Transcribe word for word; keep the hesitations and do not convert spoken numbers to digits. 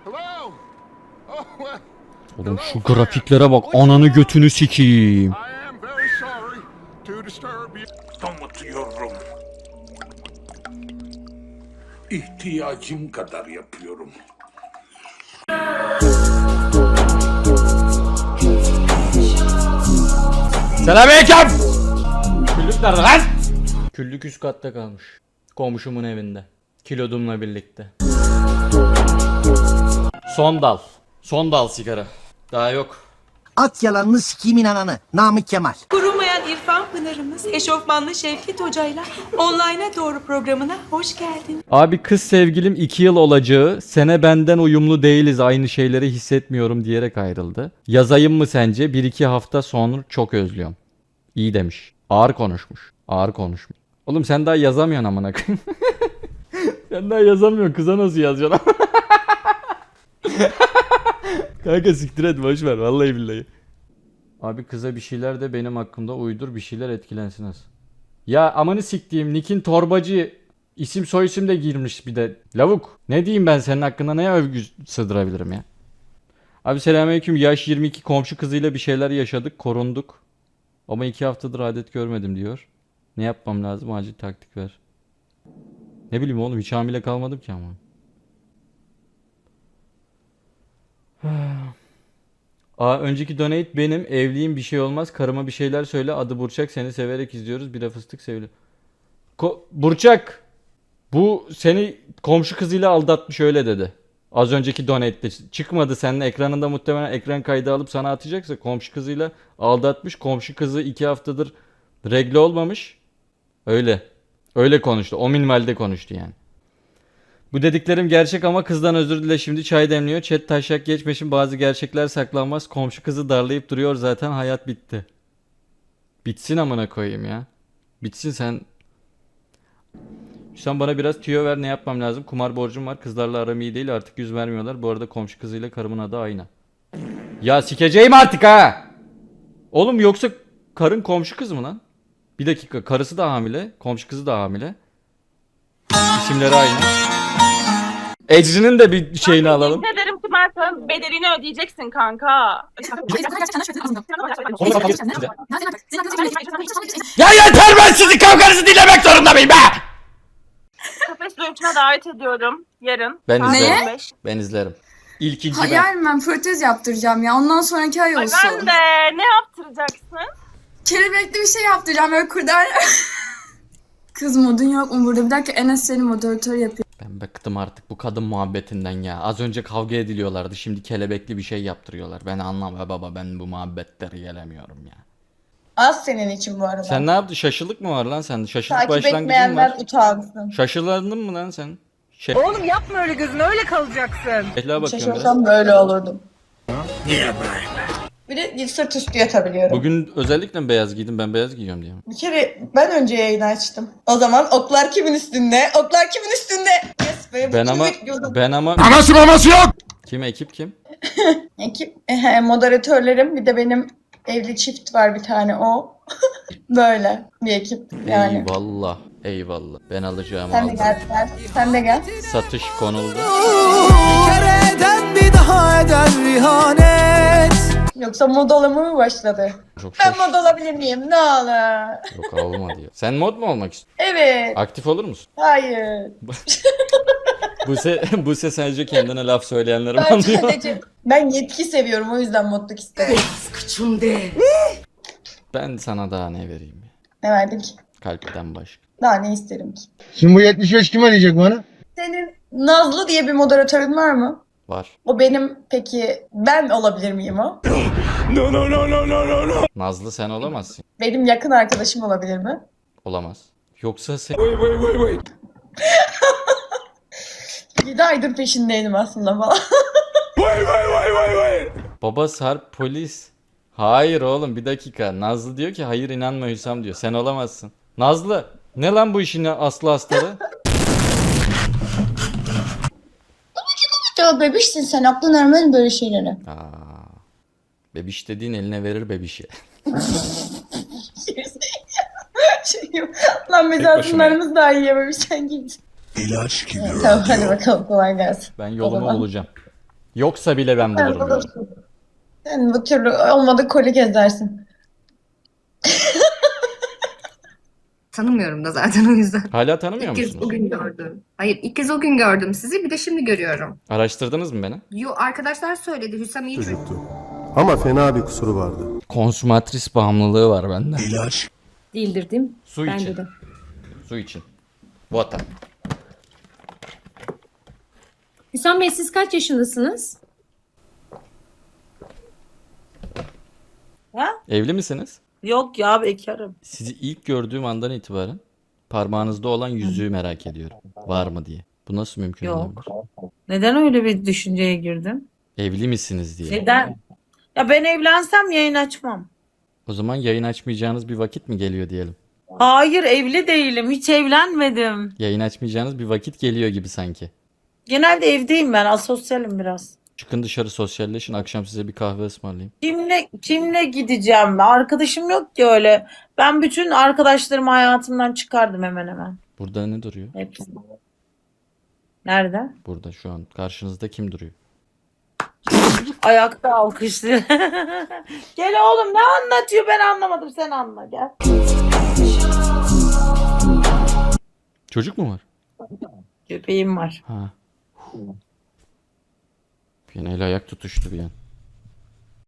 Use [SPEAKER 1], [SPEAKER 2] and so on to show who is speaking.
[SPEAKER 1] Oğlum şu grafiklere bak, ananı götünü sikeyim.
[SPEAKER 2] Kapatıyorum. İhtiyacım kadar yapıyorum.
[SPEAKER 1] Selamünaleyküm. Küllük nerede lan? Küllük üst katta kalmış. Komşumun evinde. Kilodumla birlikte. Son dal. Son dal sigara. Daha yok.
[SPEAKER 3] At yalanını sikimin ananı. Namık Kemal.
[SPEAKER 4] Kurumayan İrfan Pınar'ımız Eşofmanlı Şevket Hoca'yla Online'a Doğru programına hoş geldin.
[SPEAKER 1] Abi kız sevgilim iki yıl olacağı, sene benden uyumlu değiliz, aynı şeyleri hissetmiyorum diyerek ayrıldı. Yazayım mı sence? Bir iki hafta sonra çok özlüyorum. İyi demiş. Ağır konuşmuş. Ağır konuşmuş. Oğlum sen daha yazamıyorsun amına koyayım. Sen daha yazamıyorsun, kıza nasıl yazacaksın? Kanka siktir et, boş ver vallahi billahi. Abi kıza bir şeyler de benim hakkımda uydur, bir şeyler etkilensin az. Ya amanı siktiğim Nick'in torbacı isim soy isim de girmiş bir de. Lavuk. Ne diyeyim ben senin hakkında, neye övgü sığdırabilirim ya? Abi selamünaleyküm, yaş yirmi iki, komşu kızıyla bir şeyler yaşadık, korunduk. Ama iki haftadır adet görmedim diyor. Ne yapmam lazım, acil taktik ver. Ne bileyim oğlum, hiç hamile kalmadım ki ama. Aa, önceki donate benim, evliyim, bir şey olmaz, karıma bir şeyler söyle, adı Burçak, seni severek izliyoruz, bira fıstık sevili. Ko Burçak, bu seni komşu kızıyla aldatmış, öyle dedi. Az önceki donate'de çıkmadı senin ekranında, muhtemelen ekran kaydı alıp sana atacaksa komşu kızıyla aldatmış, komşu kızı iki haftadır regle olmamış. Öyle. Öyle konuştu. O minvalde konuştu yani. Bu dediklerim gerçek ama kızdan özür dile, şimdi çay demliyor. Chat taşak geçmesin, bazı gerçekler saklanmaz. Komşu kızı darlayıp duruyor zaten, hayat bitti. Bitsin amına koyayım ya. Bitsin sen. Sen bana biraz tüyo ver, ne yapmam lazım? Kumar borcum var, kızlarla aram iyi değil, artık yüz vermiyorlar. Bu arada komşu kızıyla karımın adı aynı. Ya sikeceğim artık ha. Oğlum yoksa karın komşu kız mı lan? Bir dakika, karısı da hamile, komşu kızı da hamile. İsimleri aynı. Ecrin'in de bir şeyini alalım.
[SPEAKER 5] Ne derim ki ben sana bedelini ödeyeceksin kanka.
[SPEAKER 1] Ya yeter, ben sizin kavganızı dinlemek zorunda mıyım be?
[SPEAKER 5] Kafes dövüşüne davet ediyorum yarın.
[SPEAKER 1] Ben
[SPEAKER 5] Saat
[SPEAKER 1] izlerim.
[SPEAKER 5] on beş.
[SPEAKER 1] Ben izlerim. İlkinci ben.
[SPEAKER 6] Hayal ben protez yaptıracağım ya. Ondan sonraki ay
[SPEAKER 5] Ay
[SPEAKER 6] olsun.
[SPEAKER 5] ben de ne yaptıracaksın?
[SPEAKER 6] Kelebekli bir şey yaptıracağım böyle kurdar. Kız modun yok mu burada? Bir dakika, Enes seni moderatör yapıyor.
[SPEAKER 1] Ben bıktım artık bu kadın muhabbetinden ya. Az önce kavga ediliyorlardı, şimdi kelebekli bir şey yaptırıyorlar. Ben anlamam baba, ben bu muhabbetleri gelemiyorum ya.
[SPEAKER 7] Az senin için bu arada.
[SPEAKER 1] Sen ne yaptın? Şaşılık mı var lan sende? Şaşılık
[SPEAKER 7] Takip
[SPEAKER 1] başlangıcın
[SPEAKER 7] etmeyenler
[SPEAKER 1] var.
[SPEAKER 7] utansın.
[SPEAKER 1] Şaşılandın mı lan sen? Şey...
[SPEAKER 4] Oğlum yapma öyle, gözün öyle kalacaksın.
[SPEAKER 1] Ehla bakıyorum biraz.
[SPEAKER 7] Şaşırsam böyle olurdum. Niye böyle? Bir de sırt üstü yatabiliyorum.
[SPEAKER 1] Bugün özellikle mi beyaz giydim? Ben beyaz giyiyorum diye.
[SPEAKER 7] Bir kere ben önce yayını açtım. O zaman oklar kimin üstünde? Oklar kimin üstünde? Yes be.
[SPEAKER 1] Ben ama
[SPEAKER 7] bekliyordum.
[SPEAKER 1] ben ama
[SPEAKER 2] Anası babası yok.
[SPEAKER 1] kim, ekip kim?
[SPEAKER 7] Ekip, ehe, moderatörlerim, bir de benim evli çift var bir tane, o. Böyle bir ekip yani.
[SPEAKER 1] Eyvallah. Eyvallah. Ben alacağım.
[SPEAKER 7] Sen de gel, gel. Sen de gel.
[SPEAKER 1] Satış konuldu.
[SPEAKER 8] bir daha eder ihanet.
[SPEAKER 7] Yoksa mod olama mı başladı?
[SPEAKER 1] Çok
[SPEAKER 7] Ben
[SPEAKER 1] şaş.
[SPEAKER 7] mod olabilir miyim? Ne olur.
[SPEAKER 1] Yok olmadı ya. Sen mod mu olmak istiyorsun?
[SPEAKER 7] Evet.
[SPEAKER 1] Aktif olur musun?
[SPEAKER 7] Hayır.
[SPEAKER 1] Buse, Buse sadece kendine laf söyleyenleri mi
[SPEAKER 7] Ben
[SPEAKER 1] anlıyor?
[SPEAKER 7] sadece ben yetki seviyorum, o yüzden modluk isterim.
[SPEAKER 1] Ben sana daha ne vereyim ya?
[SPEAKER 7] Ne verdin ki?
[SPEAKER 1] Kalpten başka.
[SPEAKER 7] Daha ne isterim ki?
[SPEAKER 9] Şimdi bu yetmiş beş kim arayacak bana?
[SPEAKER 7] Senin Nazlı diye bir moderatörün var mı?
[SPEAKER 1] Var.
[SPEAKER 7] O benim, peki ben olabilir miyim o?
[SPEAKER 2] No no no no no no no.
[SPEAKER 1] Nazlı sen olamazsın.
[SPEAKER 7] Benim yakın arkadaşım olabilir mi?
[SPEAKER 1] Olamaz. Yoksa sen...
[SPEAKER 2] Wait wait wait wait.
[SPEAKER 7] yedi aydır peşindeydim aslında falan.
[SPEAKER 2] Wait wait wait wait wait.
[SPEAKER 1] Baba Sarp polis. Hayır oğlum, bir dakika. Nazlı diyor ki hayır inanma Hüsam diyor. Sen olamazsın. Nazlı ne lan bu işin aslı astarı?
[SPEAKER 7] Ya bebişsin sen, aklın ermez böyle şeylere.
[SPEAKER 1] Aa, bebiş dediğin eline verir bebişi.
[SPEAKER 7] şey, lan biz aslınlarımız daha yiyememiş, sen git.
[SPEAKER 2] İlaç gibi.
[SPEAKER 7] Tamam hadi bakalım, kolay gelsin.
[SPEAKER 1] Ben
[SPEAKER 7] O
[SPEAKER 1] yolumu
[SPEAKER 7] zaman.
[SPEAKER 1] bulacağım. Yoksa bile ben
[SPEAKER 7] Sen
[SPEAKER 1] bulurum yani.
[SPEAKER 7] bulursun. Sen bu türlü olmadı koli gezersin.
[SPEAKER 10] Tanımıyorum da zaten o yüzden.
[SPEAKER 1] Hala tanımıyor
[SPEAKER 10] İlk kez
[SPEAKER 1] musunuz?
[SPEAKER 10] o gün gördüm. Hayır, ilk kez o gün gördüm sizi. Bir de şimdi görüyorum.
[SPEAKER 1] Araştırdınız mü beni?
[SPEAKER 10] Yo, arkadaşlar söyledi. Hüsam iyi çocuk.
[SPEAKER 8] Çocuktu. Ama fena bir kusuru vardı.
[SPEAKER 1] Konsumatris bağımlılığı var bende.
[SPEAKER 10] Değildir değil mi?
[SPEAKER 1] Su
[SPEAKER 10] Bence
[SPEAKER 1] için.
[SPEAKER 10] de.
[SPEAKER 1] Su için. Water.
[SPEAKER 10] Hüsam Bey siz kaç yaşındasınız?
[SPEAKER 4] Ha?
[SPEAKER 1] Evli misiniz?
[SPEAKER 4] Yok ya bekarım.
[SPEAKER 1] Sizi ilk gördüğüm andan itibaren parmağınızda olan yüzüğü merak ediyorum. Var mı diye. Bu nasıl mümkün
[SPEAKER 4] Yok.
[SPEAKER 1] olabilir?
[SPEAKER 4] Neden öyle bir düşünceye girdin?
[SPEAKER 1] Evli misiniz diye.
[SPEAKER 4] Neden? Ya ben evlensem yayın açmam.
[SPEAKER 1] O zaman yayın açmayacağınız bir vakit mi geliyor diyelim.
[SPEAKER 4] Hayır evli değilim. Hiç evlenmedim.
[SPEAKER 1] Yayın açmayacağınız bir vakit geliyor gibi sanki.
[SPEAKER 4] Genelde evdeyim ben. Asosyalim biraz.
[SPEAKER 1] Çıkın dışarı sosyalleşin. Akşam size bir kahve ısmarlayayım.
[SPEAKER 4] Kimle kimle gideceğim? Arkadaşım yok ki öyle. Ben bütün arkadaşlarımı hayatımdan çıkardım hemen hemen.
[SPEAKER 1] Burada ne duruyor?
[SPEAKER 4] Hepsini. Nerede?
[SPEAKER 1] Burada şu an. Karşınızda kim duruyor?
[SPEAKER 4] Ayakta alkışlıyor. Gel oğlum ne anlatıyor ben anlamadım sen anla gel.
[SPEAKER 1] Çocuk mu var?
[SPEAKER 4] Köpeğim var.
[SPEAKER 1] Ha. Bir an el ayak tutuştu bir an.